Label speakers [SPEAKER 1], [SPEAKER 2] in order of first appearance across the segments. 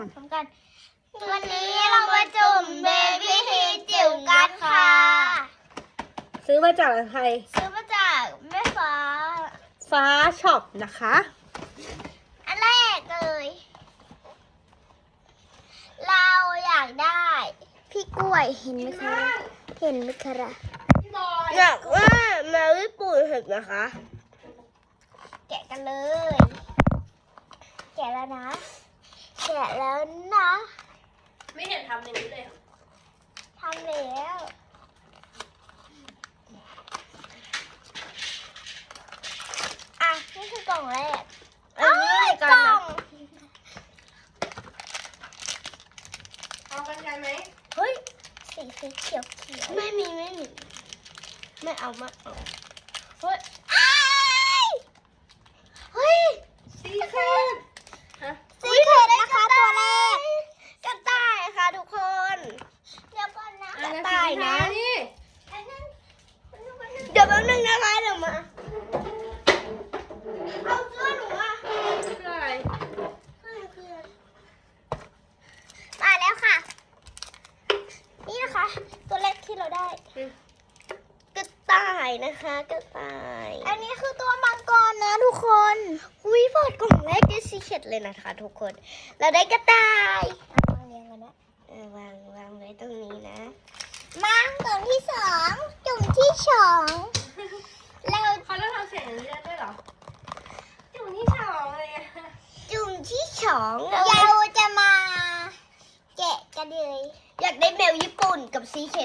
[SPEAKER 1] พร้อมกันวันนี้เรามาจุ่มเบบี้ฮีจิ๋วกันค่ะ
[SPEAKER 2] ซื้อมาจากใคร
[SPEAKER 1] ซื้อมาจากแม่ฟ้า
[SPEAKER 2] ช็อปนะคะ
[SPEAKER 1] อันแรกเลยเราอยากได้พี่กล้วยเห็นไหมคะ
[SPEAKER 2] อยากว่าแมวญี่ปุ่นเห็นนะคะ
[SPEAKER 1] แกะกันเลยแกะแล้วนะ
[SPEAKER 2] ไม่เห็นทำอย่างนี้เลย
[SPEAKER 1] ทำแล้วอ่ะนี่คือกล่องแรก
[SPEAKER 2] อันนี้อะไรกันนะเอากันไกลไหม
[SPEAKER 1] เฮ้ยสีเขียว
[SPEAKER 2] ไม่มีไม่เอาเฮ้ยซีเคท
[SPEAKER 1] ซีเคทนะคะตัวแรก
[SPEAKER 2] กระต่ายค่ะทุกคน
[SPEAKER 1] เดี๋ยวก่อนนะ
[SPEAKER 2] กระต่ายนะเดี๋ยวแป๊บนึงนะคะเดี๋ยวมาเอาเสื้อหนูมาคืออะไร
[SPEAKER 1] มาแล้วค่ะนี่นะคะตัวแรกที่เราได้
[SPEAKER 2] กระต่ายนะคะกระต่าย
[SPEAKER 1] อันนี้คือตัวมังกรนะทุกคน
[SPEAKER 2] อุ้ยเปิดกล่องแรกได้ซีเคทเลยนะคะทุกคนเราได้กระต่ายว
[SPEAKER 1] างเรียงกันนะ
[SPEAKER 2] วางไว้ตรงนี้นะ
[SPEAKER 1] มาจุ่มที่สองเรา
[SPEAKER 2] เขาต้องทำเสียงอย่างนี้ได้ด้วยเหรอจุ่มที่สองเลย
[SPEAKER 1] จุ่มที่สองเราจะมาแกะกันเลย
[SPEAKER 2] อยากได้แมวญี่ปุ่นกับซีเคท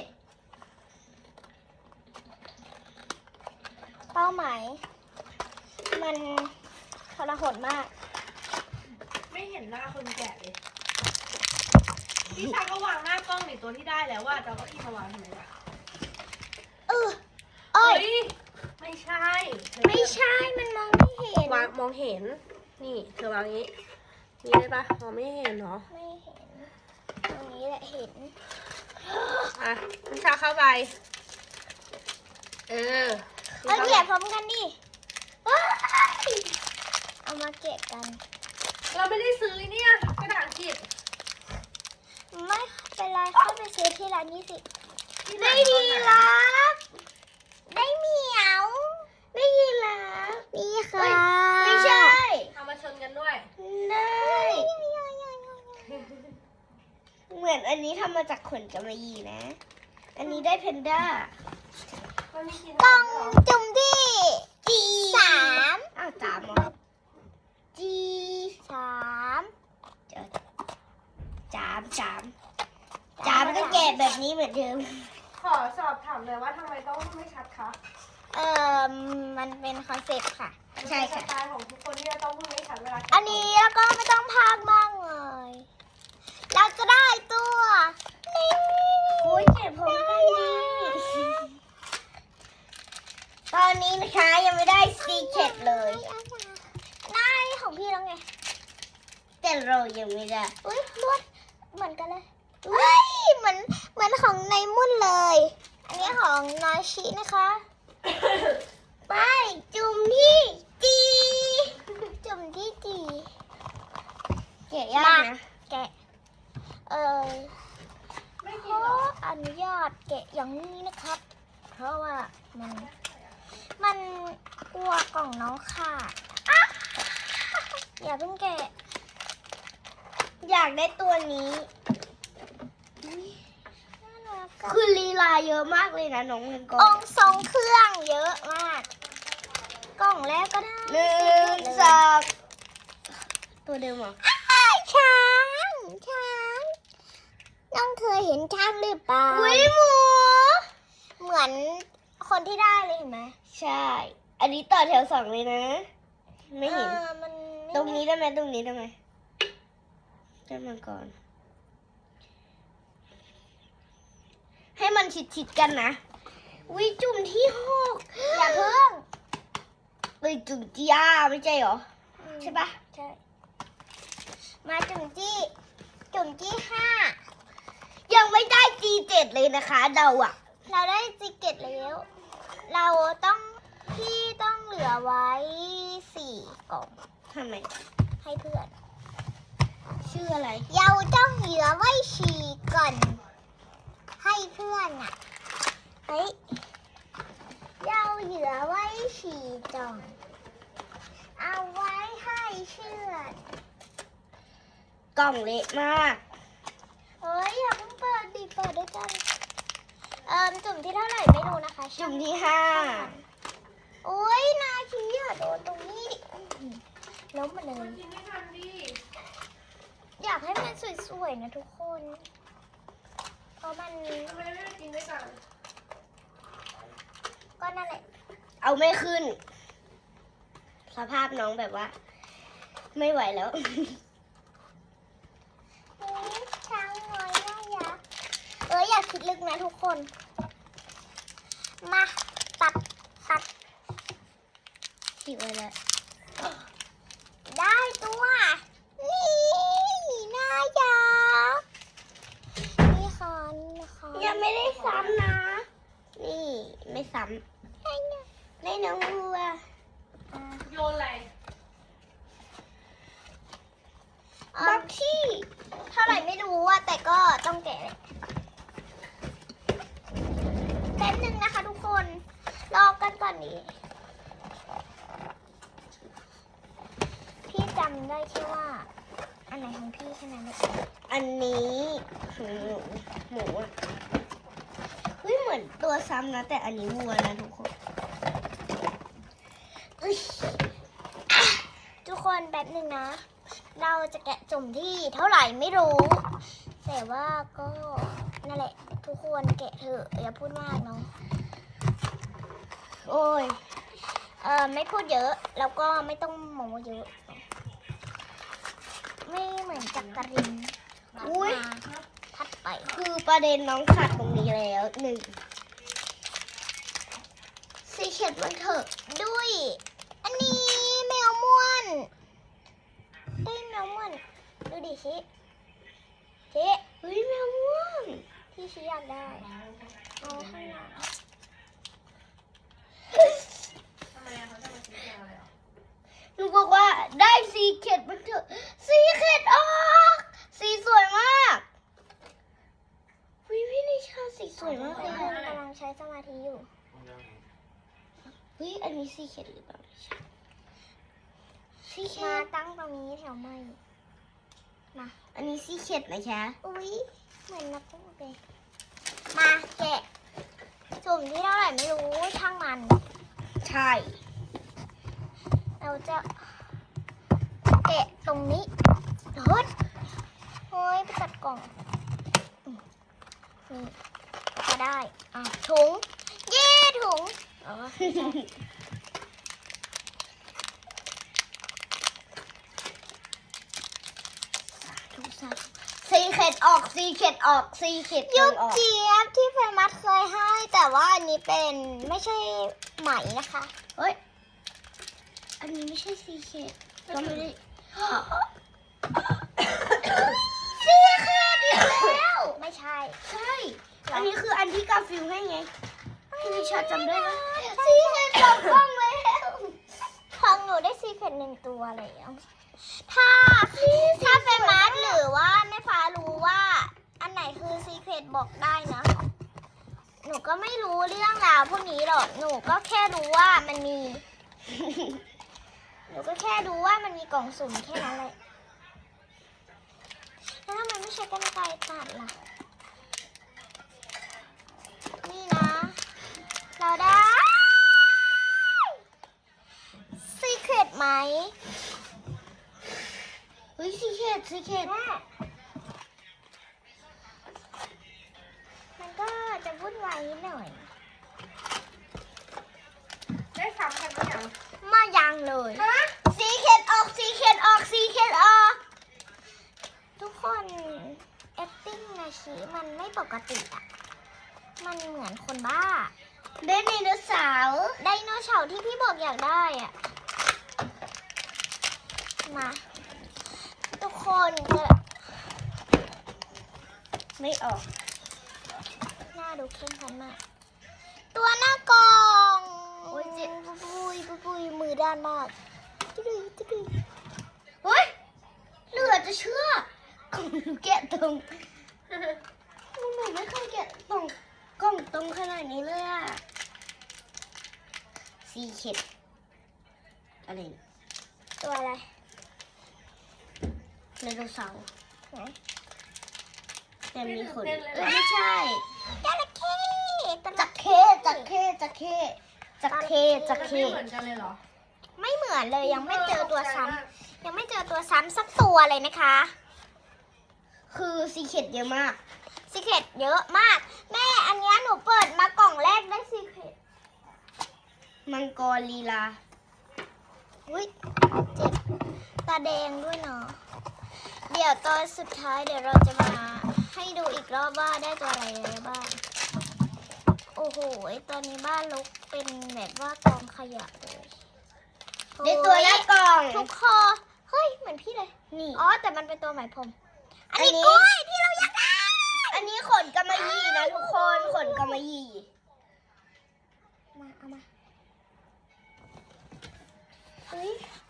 [SPEAKER 1] เป้าหมายมันทรหดมาก
[SPEAKER 2] ไม่เห็นหน้าคนแกะเลยพี่ชายก็วางหน้ากล้องในตัวที่ได้แล้วว่าจะเอาที่มาวางทำไมล่ะ
[SPEAKER 1] เอ้ย
[SPEAKER 2] ไม่ใช่
[SPEAKER 1] มันมองไม่เห็น
[SPEAKER 2] มองเห็นนี่เธอวางอย่างนี้นี่ได้ปะมองไม่เห็นเหรอ
[SPEAKER 1] ไม่เห็นตรงนี้แหละเห็น
[SPEAKER 2] อ่ะพี่ชาเข้าไป
[SPEAKER 1] เอาแกะพร้อมกันดิเอามาแกะกัน
[SPEAKER 2] เราไม่ได้ซื้อเนี่ยกระดาษอังกฤษ
[SPEAKER 1] ไม่เป็นไรเข้าไปซื้อที่ร้านนี้สิได้ดีรับได้เหมียวได้ยีราฟนี่ค่ะ
[SPEAKER 2] ไม่ใช่เอามาชนกันด้วย
[SPEAKER 1] ได้
[SPEAKER 2] เหมือนอันนี้ทำมาจากขนกำมะหยี่นะอันนี้ได้เพนด้าก
[SPEAKER 1] ล่องจุ่มที่3
[SPEAKER 2] อ้าว3เหรอจามก็แกะแบบนี้เหมือนเดิมขอสอบถามเลยว่าทำไมต้องไม่ชัดคะ
[SPEAKER 1] มันเป็นคอนเซ็ปต์ค่ะ
[SPEAKER 2] ใช่ค่ะสไตล์ของทุกคนที่จะต้องพูดไม่ชัดเวลา
[SPEAKER 1] อันนี้แล้วก็ไม่ต้องพากมากเลยเราจะได้ตัวนี่
[SPEAKER 2] โอ้ยเจ็บผมกันดีตอนนี้นะคะยังไม่ได้ซีเคทเลย
[SPEAKER 1] ได้ของพี่แล้วไง
[SPEAKER 2] แต่เรายังไม่ได้
[SPEAKER 1] อุ้ยลวดเหมือนกันเลยเฮ้ยเหมือนของในมุ่นเลยอันนี้ของนอยชินะคะไปจุ่มที่จี
[SPEAKER 2] แกะยากนะ
[SPEAKER 1] แกะ
[SPEAKER 2] ไม่
[SPEAKER 1] ข
[SPEAKER 2] กินหรอ
[SPEAKER 1] อนุญาตแกะอย่างนี้นะครับเพราะว่ามันกลัวกล่องน้องค่ะอย่าเพิ่งแกะ
[SPEAKER 2] อยากได้ตัวนี้คือลีลาเยอะมากเลยนะน้องเงินก้อน
[SPEAKER 1] องทรงเครื่องเยอะมากกล่องแรกก็ได้
[SPEAKER 2] 1 2ตัวเดิมเหรอ
[SPEAKER 1] ช้างน้องเคยเห็นช้างหรือเปล่า
[SPEAKER 2] อุ้ยหมู
[SPEAKER 1] เหมือนคนที่ได้เลยเห็นไหม
[SPEAKER 2] ใช่อันนี้ต่อแถว2เลยนะไม่เห็นตรงนี้ได้ไหมได้มาก่อนให้มันชิดกันนะวิจุ่มที่6
[SPEAKER 1] อย่าเพิ่ง
[SPEAKER 2] จุ่มที่5ไม่ใช่เหรอใช่ปะ
[SPEAKER 1] ใช่มาจุ่มที่5
[SPEAKER 2] ยังไม่ได้ G7 เลยนะคะเรา
[SPEAKER 1] ได้ G7 แล้วเราพี่ต้องเหลือไว้4 กล่อง
[SPEAKER 2] ทำไม
[SPEAKER 1] ให้เพื่อน
[SPEAKER 2] ใ
[SPEAKER 3] ชื่ออะไร
[SPEAKER 1] เยาเจ้าเหยื่อไว้ฉี่ก่อน ให้เพื่อนอ่ะ เฮ้ยเยาเหยื่อไว้ฉี่จ่อง เอาไว้ให้เชื่อน
[SPEAKER 3] กล่องเละมาก
[SPEAKER 1] เฮ้ยอย่าเพิ่งเปิดดิเปิดด้วยกัน จุ่มที่เท่าไหร่ไม่รู้นะคะ
[SPEAKER 3] จุ่มที่
[SPEAKER 1] โอ้ยนาชีอย่าโดนตรงนี้ดิล้มมาเลย
[SPEAKER 2] กินไม่ทันดิ
[SPEAKER 1] อยากให้มันสวยๆนะทุกคน เพราะมัน
[SPEAKER 2] ทำไมไม่ได้กินด้วยกัน
[SPEAKER 1] ก็นั่นแหละ
[SPEAKER 3] 5เอาไม่ขึ้น สภาพน้องแบบว่า ไม่ไหวแล้ว
[SPEAKER 1] นี่ช้างน้อยน่ารักอย่าคิดลึกนะทุกคน มาตัด
[SPEAKER 3] ผิดไปแล้ว
[SPEAKER 1] ได้ตัว นี่น่ารักนี่ค่ะนี่นะคะ
[SPEAKER 3] ยังไม่ได้ซ้ำนะ นี่ไม่ซ้ำได้น้องวัว
[SPEAKER 2] โยนอะไร
[SPEAKER 3] บ็อกซี่
[SPEAKER 1] เท่าไหร่ไม่รู้อะแต่ก็ต้องแกะเลยแป๊บนึงนะคะทุกคน รอกันก่อนนี้ พี่จำได้แค่ว่า อันไหนของพี่แค่นั้นเอง
[SPEAKER 3] อันนี้หมูอ่ะเฮ้ยเหมือนตัวซ้ำนะ แต่อันนี้วัวนะทุกคน
[SPEAKER 1] ทุกคนแป๊บนึงนะ เราจะแกะจุ่มที่เท่าไหร่ไม่รู้ แต่ว่าก็นั่นแหละ ทุกคนแกะเถอะอย่าพูดมากเนาะ
[SPEAKER 3] โอ้ย
[SPEAKER 1] ไม่พูดเยอะแล้วก็ไม่ต้องโม้เยอะ ไม่เหมือนจักริน
[SPEAKER 3] อุ๊ย
[SPEAKER 1] มาพัดไป
[SPEAKER 3] คือประเด็นน้องขาดตรงนี้แล้ว1ซีเข็ดมันเถอะ
[SPEAKER 1] ด้วย อันนี้แมวม่วนได้แมวม่วนดูดิชิ
[SPEAKER 3] เฮ้ยแมวม่วง
[SPEAKER 1] ที่ชิอยากได้เอาข้างหลัง
[SPEAKER 2] ทำไมอะเขาจะมาซื้ออะไรอ่ะ
[SPEAKER 3] หนูบอกว่าได้ซีเข็ดมันเถอะซีเข็ดออกสีสวยมากวิพี่นิชาสีสวยมาก
[SPEAKER 1] ทุ
[SPEAKER 3] เล
[SPEAKER 1] ก
[SPEAKER 3] ย
[SPEAKER 1] คนกำลังใช้สมาธิอยู่
[SPEAKER 3] เฮ้ยอันนี้ซีเข็ดหรือเปล่าซีเข็
[SPEAKER 1] มา
[SPEAKER 3] ด
[SPEAKER 1] ตั้งตรงนี้แถวไม่มา
[SPEAKER 3] อันนี้ซีเข็ดนะคะ
[SPEAKER 1] อุ๊ย เหมือนนักพูดเลยมาแกะจุ่มที่เท่าไหร่ไม่รู้ช่างมัน
[SPEAKER 3] ใช่
[SPEAKER 1] เราจะแกะตรงนี้เฮ้ยโอ้ยไปตัดกล่องนี่ก็ได้ถุง เย้ถุงอ๋อไม่ใช่
[SPEAKER 3] ทุกสัตว์ซีเข็ดออกซีเข็ดออกซีเข็ด
[SPEAKER 1] ยุบ
[SPEAKER 3] ออก
[SPEAKER 1] เจี๊ยบที่เฟมัสเคยให้ แต่ว่าอันนี้เป็นไม่ใช่ไหมนะคะ
[SPEAKER 3] เฮ้ยอันนี้ไม่ใช่ซีเข็ดก็ไม่ได้ ซีเข็ดอีกแล้ว
[SPEAKER 1] ไม่ใช่
[SPEAKER 3] ใช่ อันนี้คืออันที่กาฟิลให้ไง พี่นิชาจำได้ไหม
[SPEAKER 1] ซีเค็ดสองกล่องแล้วของหนูได้ซีเค็ด1 ตัวแล้วถ้าเฟมัสหรือว่าแม่ฟ้ารู้ว่า อันไหนคือซีเค็ดบอกได้นะ หนูก็ไม่รู้เรื่องราวพวกนี้หรอก หนูก็แค่รู้ว่ามันมี หนูก็แค่รู้ว่ามันมีกล่องสุ่มแค่นั้นเลยแล้วทำไมไม่ใช้กรรไกรตัดล่ะ นี่นะ เราได้ซีเครตไหม
[SPEAKER 3] เฮ้ยซีเข็ดซีเข็ด
[SPEAKER 1] แม่มันก็จะวุ่นวายนิดหน่อย
[SPEAKER 2] ได้ซ้ำกันไหมอ่ะ
[SPEAKER 1] มายังเลย
[SPEAKER 3] ซีเข็ดออกซีเข็ดออกซีเข็ดออก
[SPEAKER 1] ทุกคน acting นะชีมันไม่ปกติอ่ะ มันเหมือนคนบ้า
[SPEAKER 3] เดนไดโนเสาร์
[SPEAKER 1] ไดโนเสาร์ที่พี่บอกอยากได้อ่ะ มา ทุกคนจะ
[SPEAKER 3] ไม่ออก
[SPEAKER 1] หน้าดูเข้มขันมาก ตัวหน้ากล่อง
[SPEAKER 3] โอ้ยเจ็บ
[SPEAKER 1] ปุยมือด้านมากตึ๊ดตึ๊ด
[SPEAKER 3] เฮ้ยเหลือจะเชื่อของหนูแกะตรงหนูไม่เคยแกะตรงกล่องตรงขนาดนี้เลยอะซีเค็ดอะไรเนี่ย
[SPEAKER 1] ตัวอะไร
[SPEAKER 3] ไดโนเสาร์
[SPEAKER 1] ไหน
[SPEAKER 3] แต่มีขนไม่ใช่
[SPEAKER 1] จระเข้ตัว
[SPEAKER 3] จั
[SPEAKER 1] ละ
[SPEAKER 3] กเข้จักเข้จักเข้จักเข้จัก
[SPEAKER 2] ไม่
[SPEAKER 3] เข้
[SPEAKER 2] เหมือนกันเลยเหรอ
[SPEAKER 1] ไม่เหมือนเลยยังไม่เจอตัวซ้ำยังไม่เจอตัวซ้ำสักตัวเลยนะคะ
[SPEAKER 3] คือซีเค็ดเยอะมาก
[SPEAKER 1] ซีเครตเยอะมาก แม่อันเนี้ยหนูเปิดมากล่องแรกได้ซีเครต
[SPEAKER 3] มังกรลีลา
[SPEAKER 1] อุ้ยเจ็บตาแดงด้วยเนาะเดี๋ยวตอนสุดท้ายเดี๋ยวเราจะมาให้ดูอีกรอบว่าได้ตัวอะไรบ้าง โอ้โหตอนนี้บ้านรกเป็นแบบว่ากองขยะเลย
[SPEAKER 3] ได้ตัวแรกกล่อง
[SPEAKER 1] ทุกคอเฮ้ยเหมือนพี่เลย
[SPEAKER 3] นี่
[SPEAKER 1] อ๋อแต่มันเป็นตัวไหมพรมอัน
[SPEAKER 3] อันนี้
[SPEAKER 1] นี้กล้วยที่เราอยากได้
[SPEAKER 3] อันนี้ขนกำมะหยี่นะทุกคนขนกำมะหยี่
[SPEAKER 1] มาเอามาเฮ้ย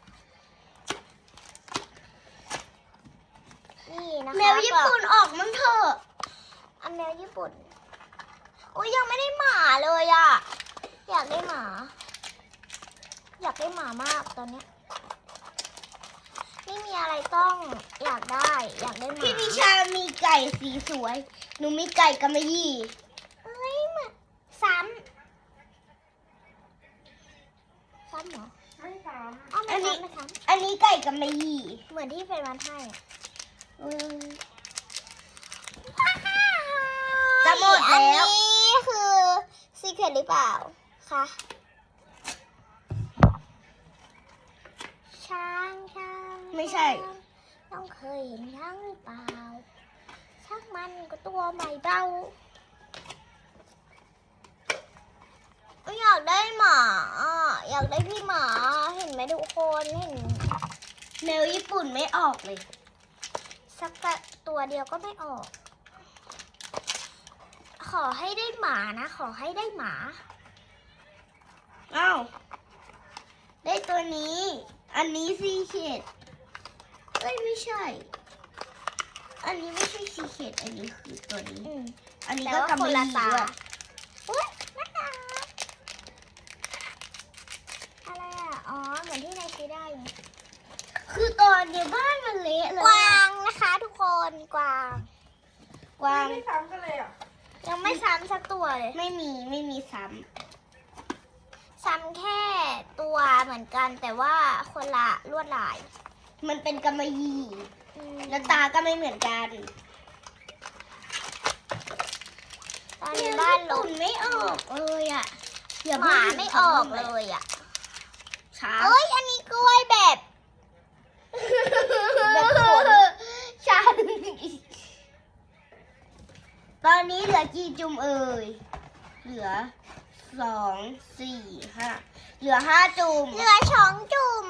[SPEAKER 1] นี่นะคะ
[SPEAKER 3] แมวญี่ปุ่นออกมั้งเถอะ
[SPEAKER 1] อันแมวญี่ปุ่นโอ้ยยังไม่ได้หมาเลยอ่ะอยากได้หมา อยากได้หมามากตอนเนี้ยไม่มีอะไรต้องอยากได้อยากได้หมา
[SPEAKER 3] พี่นิชามีไก่สีสวย หนูมีไก่กำมะหยี่
[SPEAKER 1] เอ้ยเหมือนซ้ำเหรอ
[SPEAKER 2] ไม่ซ้
[SPEAKER 1] อ้าวไม่ซ้ำไม่ซ้
[SPEAKER 3] อันนี้ไก่กำมะหยี่
[SPEAKER 1] ำเหมือนที่เฟรนวันให้อะ
[SPEAKER 3] อืม
[SPEAKER 1] จะ
[SPEAKER 3] จะหมดแล้ว
[SPEAKER 1] อันนี้คือซีเครตหรือเปล่าคะช้างช้าง
[SPEAKER 3] ไม่ใช่
[SPEAKER 1] ต้องเคยเห็นช้างหรือเปล่าช้างมันก็ตัวใหม่เบาอยากได้หมาอ่ะอยากได้พี่หมาเห็นไหมทุกคนเห็น
[SPEAKER 3] แมวญี่ปุ่นไม่ออกเลย
[SPEAKER 1] สักตัวเดียวก็ไม่ออก ขอให้ได้หมานะ ขอให้ได้หมา
[SPEAKER 3] อ้าวได้ตัวนี้ อันนี้ซีเค็ดเอ้ยไม่ใช่ อันนี้ไม่ใช่ซีเค็ดอันนี้คือตัวนี้
[SPEAKER 1] อืม
[SPEAKER 3] อันนี้
[SPEAKER 1] แต่
[SPEAKER 3] ก็
[SPEAKER 1] ว่าก
[SPEAKER 3] ำ
[SPEAKER 1] ค
[SPEAKER 3] มะ
[SPEAKER 1] น
[SPEAKER 3] ห
[SPEAKER 1] ละ
[SPEAKER 3] ยี่
[SPEAKER 1] ตา
[SPEAKER 3] ด้วย
[SPEAKER 1] อุ้ยน่ารักอะไรอ่ะ อ๋อ เหมือนที่นายคิดได้ไง
[SPEAKER 3] คือตอนเนี้ยบ้านมันเละเลย
[SPEAKER 1] กวางนะคะทุกคน กวาง
[SPEAKER 3] กวาง
[SPEAKER 2] ำไม่ซ้ำกันเลยอ่ะ
[SPEAKER 1] ยังไม่ซ้ำสักตัวเลย
[SPEAKER 3] ไม่มีซ้
[SPEAKER 1] ซ้ำแค่ตัวเหมือนกัน แต่ว่าคนละลวดลาย
[SPEAKER 3] ำมันเป็นกำมะหยี่
[SPEAKER 1] อืม
[SPEAKER 3] แล้วตาก็ไม่เหมือนกัน
[SPEAKER 1] ตอนนี้บ้านล
[SPEAKER 3] ตุ่
[SPEAKER 1] ก
[SPEAKER 3] นไม่ออกเลยอ่ะอย่
[SPEAKER 1] หมาไม่ออกเลยอ่ะ
[SPEAKER 3] ช้า
[SPEAKER 1] เอ้ย อันนี้กล้วยแบบ แบบขน
[SPEAKER 3] ช้าตอนนี้เหลือกี่จุ่มเอ่ย เหลือ2 4 5เหลือ5จุ่ม
[SPEAKER 1] เหลือช้องจุ่ม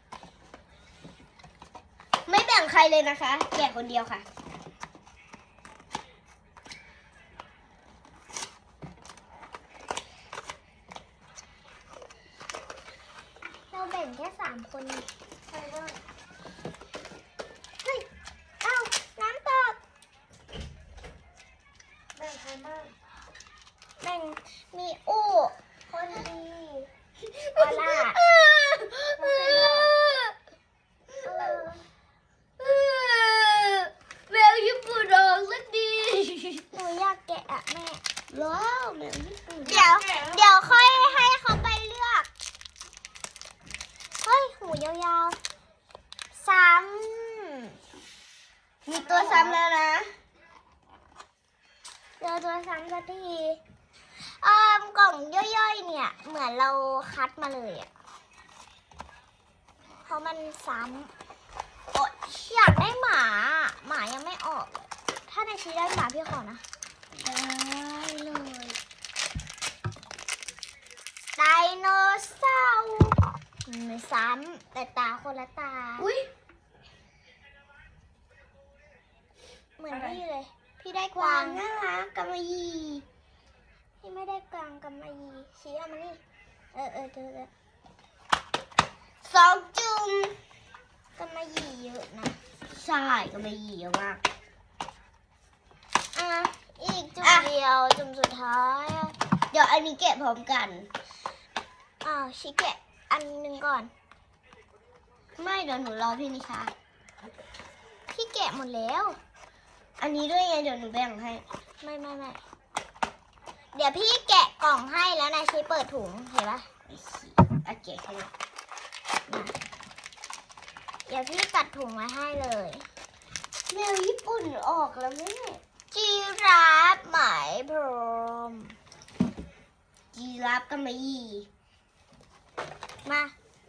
[SPEAKER 3] ไม่แบ่งใครเลยนะคะ แกะคนเดียวค่ะ
[SPEAKER 1] เราแบ่งแค่3 คน
[SPEAKER 2] ใครบ้าง
[SPEAKER 1] เฮ้ย เอ้า น้ำตก
[SPEAKER 2] แบ่งใครบ้าง
[SPEAKER 1] แบ่งมีอู้คนดีออล่าเออ
[SPEAKER 3] แมวญี่ปุ่นออกสักดี
[SPEAKER 1] หนูอยากแกะอะแม่
[SPEAKER 3] ว้าวแมวญี่ปุ่น
[SPEAKER 1] เดี๋ยวค่อยให้เขาไปเลือก เฮ้ย หูยาวๆ ซ้ำ
[SPEAKER 3] มีตัวซ้ำแล้วนะ
[SPEAKER 1] เจอตัวซ้ำสักทีกล่องย่อยๆ เนี่ย เหมือนเราคัดมาเลยอะเพราะมันซ้ำโอ๊ยอยากได้หมา หมายังไม่ออกเลยถ้าในชีได้หมาพี่ขอนะ
[SPEAKER 3] ได้เลย
[SPEAKER 1] ไดโนเสาร์ไม่ซ้ำแต่ตาคนละตา
[SPEAKER 3] อุ้ย
[SPEAKER 1] เหมือนพี่เลย พี่ได้ก
[SPEAKER 3] กวาว
[SPEAKER 1] าง ง
[SPEAKER 3] น่ารักกำมะหยี่
[SPEAKER 1] พี่ไม่ได้กวางกับมายีชี้เอามานี่ เจอแล้ว
[SPEAKER 3] 2 จุ่ม
[SPEAKER 1] กับมายีเยอะนะ
[SPEAKER 3] ใช่ก็ไม่ยีเยอะมาก
[SPEAKER 1] อ่ะอีกจุ่มเดียวจุ่มสุดท้ายอ่ะ
[SPEAKER 3] เดี๋ยวอันนี้แกะพร้อมกัน
[SPEAKER 1] อ้าวชิแกะอันหนึ่งก่อน
[SPEAKER 3] ไม่เดี๋ยวหนูรอพี่นิชา
[SPEAKER 1] พี่แกะหมดแล้ว
[SPEAKER 3] อันนี้ด้วยไงเดี๋ยวหนูแบ่งให้
[SPEAKER 1] ไม่เดี๋ยวพี่แกะกล่องให้แล้วนายชิเปิดถุงเห็นปะ
[SPEAKER 3] โอเคให้หนู
[SPEAKER 1] เดี๋ยวพี่ตัดถุงมาให้เลย
[SPEAKER 3] แมวญี่ปุ่นออกแล้วแม่
[SPEAKER 1] จีราฟไหมพรม
[SPEAKER 3] จีราฟกับไม่ยี
[SPEAKER 1] มา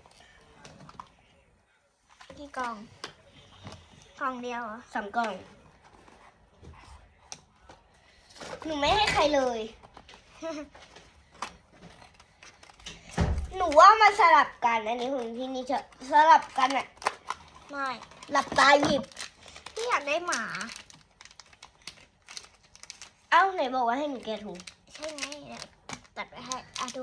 [SPEAKER 1] กี่กล่องกล่องเดียวเหรอ
[SPEAKER 3] 2 กล่อง หนูไม่ให้ใครเลย หนูว่ามาสลับกันอันนี้ของพี่นิชาสลับกันอะ
[SPEAKER 1] ไม่
[SPEAKER 3] หลับตาหยิบ
[SPEAKER 1] พี่อยากได้หมา
[SPEAKER 3] เอ้าไหนบอกว่าให้หนูแกะถุง
[SPEAKER 1] ใช่ไหมเดี๋ยวตัดไปให้อ่ะดู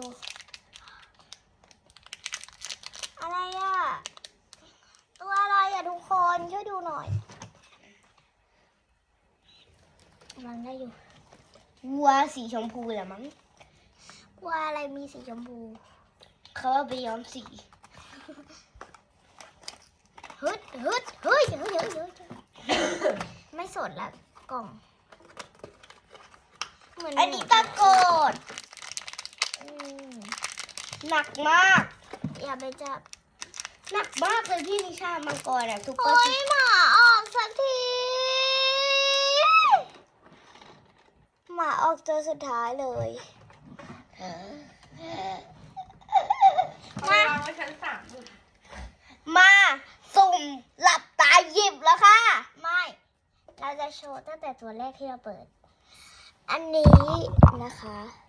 [SPEAKER 1] อะไรอ่ะ ตัวอะไรอ่ะทุกคนช่วยดูหน่อยกำลังได้อยู่
[SPEAKER 3] วัวสีชมพูแหละมั้ง
[SPEAKER 1] ว่าอะไรมีสีชมพู
[SPEAKER 3] เขาเอาไปย้อมสี
[SPEAKER 1] ฮึดเฮ้ยไม่สดละกล่องเหมือน
[SPEAKER 3] อันนี้ตะโกด
[SPEAKER 1] อืม
[SPEAKER 3] หนักมาก
[SPEAKER 1] อย่าไปจับ
[SPEAKER 3] หนักมากเลยพี่นิชามังกรอะซุปเปอ
[SPEAKER 1] โอ้
[SPEAKER 3] ร์
[SPEAKER 1] ยหมาออกสักทีหมาออกตัวสุดท้ายเลย
[SPEAKER 2] เอาไปวางไว้ชั้น3ลูก
[SPEAKER 3] มาสุ่มหลับตาหยิบแล้วค่ะ
[SPEAKER 1] ไม่ เราจะโชว์ตั้งแต่ตัวแรกที่เราเปิด อันนี้นะคะ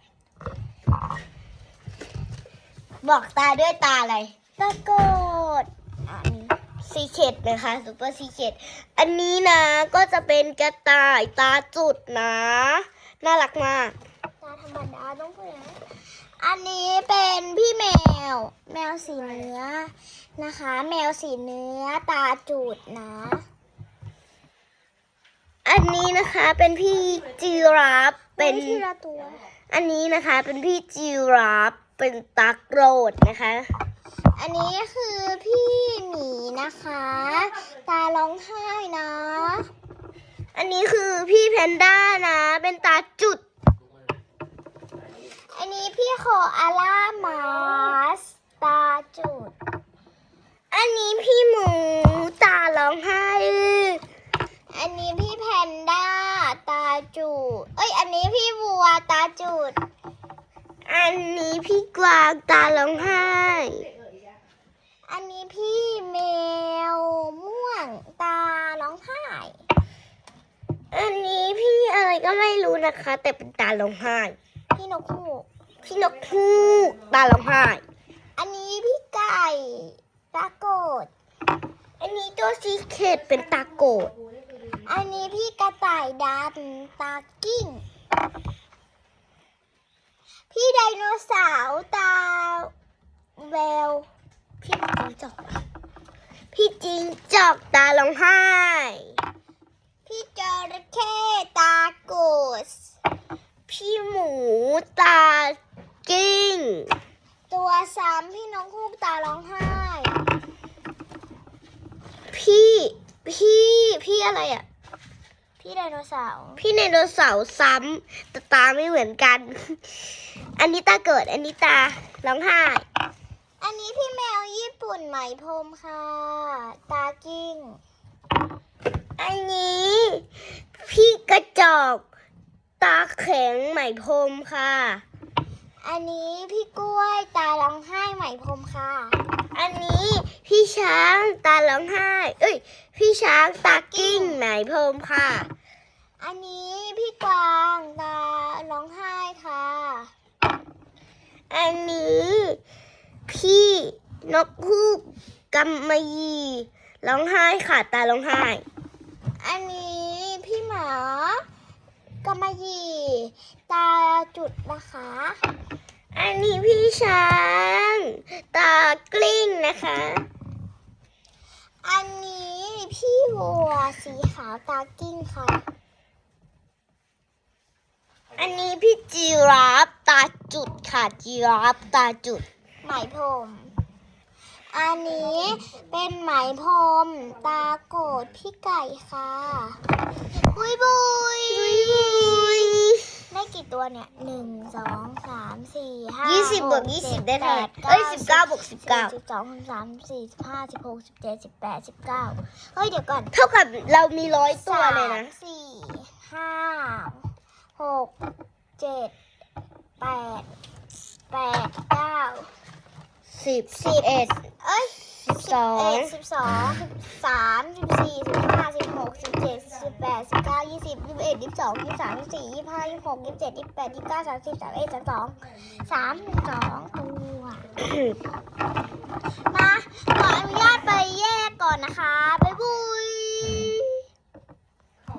[SPEAKER 3] บอกตาด้วยตาอะไร
[SPEAKER 1] ตะโกดอันนี้
[SPEAKER 3] ซีเคดนะคะซุปเปอร์ซีเคดอันนี้นะก็จะเป็นกระต่ายตาจุดนะ น่ารักมาก
[SPEAKER 1] ตาธรรมดาต้องพูดอย่างนั้นอันนี้เป็นพี่แมว แมวสีเนื้อนะคะ แมวสีเนื้อตาจุดนะ
[SPEAKER 3] อันนี้นะคะเป็นพี่จีราฟเป็น
[SPEAKER 1] ทีละตัว
[SPEAKER 3] อันนี้นะคะเป็นพี่จีราฟเป็นตาโกรธนะคะ
[SPEAKER 1] อันนี้คือพี่หมีนะคะ ตาร้องไห้นะ
[SPEAKER 3] อันนี้คือพี่แพนด้านะ เป็นตาจุด
[SPEAKER 1] อันนี้พี่โคอาล่ามาสตาจุด
[SPEAKER 3] อันนี้พี่หมูตาร้องไห้
[SPEAKER 1] อันนี้พี่แพนด้าตาจุด เอ้ย อันนี้พี่วัวตาจุด
[SPEAKER 3] อันนี้พี่กวางตาร้องไห้
[SPEAKER 1] อันนี้พี่แมวม่วงตาร้องไห้
[SPEAKER 3] อันนี้พี่อะไรก็ไม่รู้นะคะ แต่เป็นตาร้องไห้
[SPEAKER 1] พี่นกฮูก
[SPEAKER 3] พี่นกฮูกตาร้องไห้
[SPEAKER 1] อันนี้พี่ไก่ตาโกด
[SPEAKER 3] อันนี้ตัวซีเคดเป็นตาโกด
[SPEAKER 1] อันนี้พี่กระต่ายดำตากิ้ง พี่ไดโนเสาร์ตาแวว
[SPEAKER 3] พี่จิงจอกพี่จิงจอกตาร้องไห้
[SPEAKER 1] พี่จระเข้ตาโกส
[SPEAKER 3] พี่หมูตากิ้ง
[SPEAKER 1] ตัวซ้ำพี่น้องฮูกตาร้องไห้
[SPEAKER 3] พี่อะไรอ่ะ
[SPEAKER 1] พี่ไดโนเสาร์
[SPEAKER 3] พี่ไดโนเสาร์ซ้ำแต่ตาไม่เหมือนกัน อันนี้ตาเกิด อันนี้ตาร้องไห้
[SPEAKER 1] อันนี้พี่แมวญี่ปุ่นไหมพรมค่ะ ตากิ้ง
[SPEAKER 3] อันนี้พี่กระจอกตาแข็งไหมพรมค่ะ
[SPEAKER 1] อันนี้พี่กล้วยตาร้องไห้ไหมพรมค่ะ
[SPEAKER 3] อันนี้พี่ช้างตาร้องไห้ เอ้ย พี่ช้างตากิ้งไหมพรมค่ะ
[SPEAKER 1] อันนี้พี่กวางตาร้องไห้ค่ะ
[SPEAKER 3] อันนี้พี่นกฮูกกำมะหยี่ร้องไห้ค่ะตาร้องไห้
[SPEAKER 1] อันนี้พี่หมากำมะหยี่ตาจุดนะคะ
[SPEAKER 3] อันนี้พี่ช้างตากลิ้งนะคะ
[SPEAKER 1] อันนี้พพี่วัวสีขาวตากิ้งค่ะ
[SPEAKER 3] อันนี้พี่จีราฟตาจุดค่ะจีราฟตาจุด
[SPEAKER 1] ไหมพรม อันนี้เป็นไหมพรมตาโกรธพี่ไก่ค่ะบุยบุยได้กี่ตัวเนี่ย 1 2 3 4 5
[SPEAKER 3] 20บวก20ได้เท่าไหร่เอ้ย19บวก19
[SPEAKER 1] 12 13 14 15 16 17 18 19เฮ้ยเดี๋ยวก่อน
[SPEAKER 3] เท่ากับเรามี100ตัวเลยนะ
[SPEAKER 1] 3 4 5 6 7 8 9
[SPEAKER 3] 10 11
[SPEAKER 1] เอ้ย
[SPEAKER 3] 12
[SPEAKER 1] 12 13 14 15 16 17 18 19 20 21 22 23 24 25 26 27 28 29 30 31 32 32ตัวมาขออนุญาตไปแยกก่อนนะคะ บ๊ายบาย